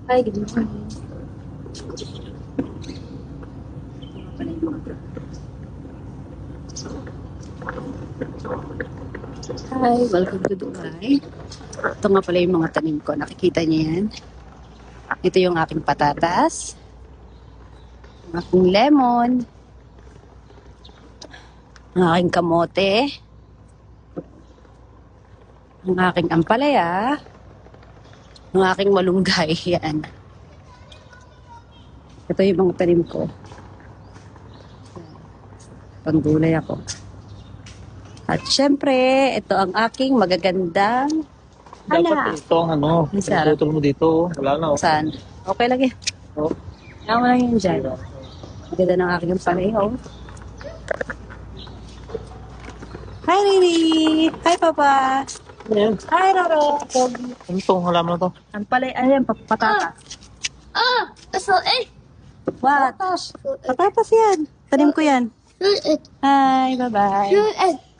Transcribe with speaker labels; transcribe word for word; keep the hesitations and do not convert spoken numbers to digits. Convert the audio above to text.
Speaker 1: Hi, good morning. Hi, welcome to Dubai. Ito nga pala yung mga tanim ko. Nakikita niyo yan? Ito yung aking patatas, ang aking lemon, ang aking kamote, ang aking ampalaya, ang aking malunggay. Yan. Ito yung mga tanim ko. Panggulay ako. At syempre, ito ang aking magagandang
Speaker 2: Dapat
Speaker 1: anak.
Speaker 2: ito ang ano,
Speaker 1: Ay, sarap.
Speaker 2: pinutol mo dito. Wala na. Oh.
Speaker 1: Saan? Okay lang yan.
Speaker 2: Oh.
Speaker 1: Kaya mo lang yun dyan. Ang ganda ng aking ampalaya. Oh. Hi, Riri! Hi, Papa!
Speaker 2: Ayan.
Speaker 1: Hi, Roro!
Speaker 2: Ano itong halaman na to?
Speaker 1: Ampalaya, ayan, pa- patatas.
Speaker 3: Ah, so eh,
Speaker 1: What? Patatas yan. Tanim ko yan.
Speaker 3: shoot it,
Speaker 1: Hi, bye-bye.
Speaker 3: shoot it.